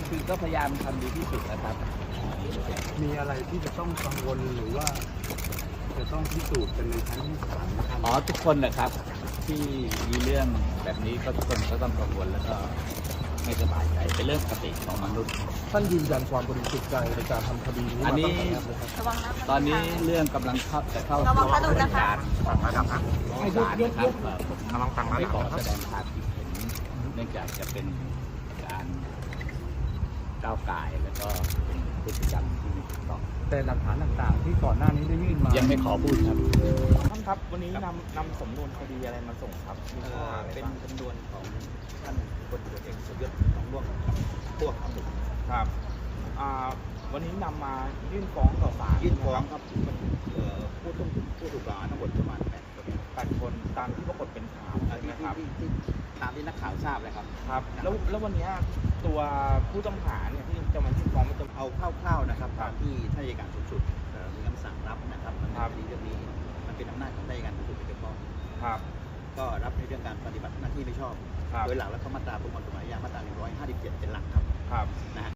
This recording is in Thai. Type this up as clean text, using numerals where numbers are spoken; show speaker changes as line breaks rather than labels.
คือก็พยายามทำดีที่สุดนะครับ
มีอะไรที่จะต้องกังวลหรือว่าจะต้องพิสูจน์กันในชั้นศาลนะครับ
อ๋อทุกคนนะครับที่มีเรื่องแบบนี้ก็ทุกคนก็ต้องกังวลแล้วก็ไม่สบายใจเป็นเรื่องปกติของมนุษย์
ท่านยืนยันความบริสุทธิ์ใจในการทำคดีนี้
อันนี้
มาตั้งแต่แรกเลยครับ
ระวังนะ
ตอนนี้เรื่องกำลังจะเข้า
ระวัง
สู่
กระดูกนะคะ
การของศาลนะครับผม
ลองฟัง
ไม่
นะ
ข
ค
อ
รับ
แสดงความคิดเห็นเนื่องจากจะเป็นการก้าวไก่ายแล้วก็เป็นพฤติกรรมที่ไม่ถูกต้อง
แต่หลักฐานต่างๆ ที่ก่อนหน้านี้ได้ยื่นมา
ยังไม่ขอพูดครับ
ท่านครับวันนี้นำสำนวนคดีอะไรมาส่งครับมีข้อหาอะไร
เป็น
บ้าง
จำนวนของท่านพลตำรวจเอกสมยศทองร่วงพวกทั้งหมด
ครับวันนี้นำมายื่นฟ้องต่อศาล
ยื่นฟ้องครับมันผู้ถูกกล่าวหาทั้งหมดประมาณ8 คน
8 คนตามที่ปรากฏเป็นข่าว
ที่
นะครับ
ที่ตามที่นักข่าวทราบเลยครับ
ครับแล้ววันนี้ตัวผู้ต้องหาเนี่ยที่จะมายื่นฟ้องมันจะ
เอาคร่าวๆนะครับตามที่ท่านอัยการสูงสุดมีคำสั่งรับนะครับมัน
ครับ
คดีเรื่องนี้มันเป็นอำนาจของท่านอัยการสูงสุดโดยเฉพาะ
ครับ
ก็รับในเรื่องการปฏิบัติหน้าที่ไม่ชอบ
ครับ
โดยหลักแล้วก็มาตราประมวลกฎหมายอาญามาตรา157เป็นหลักครับ
ครับ
นะฮะ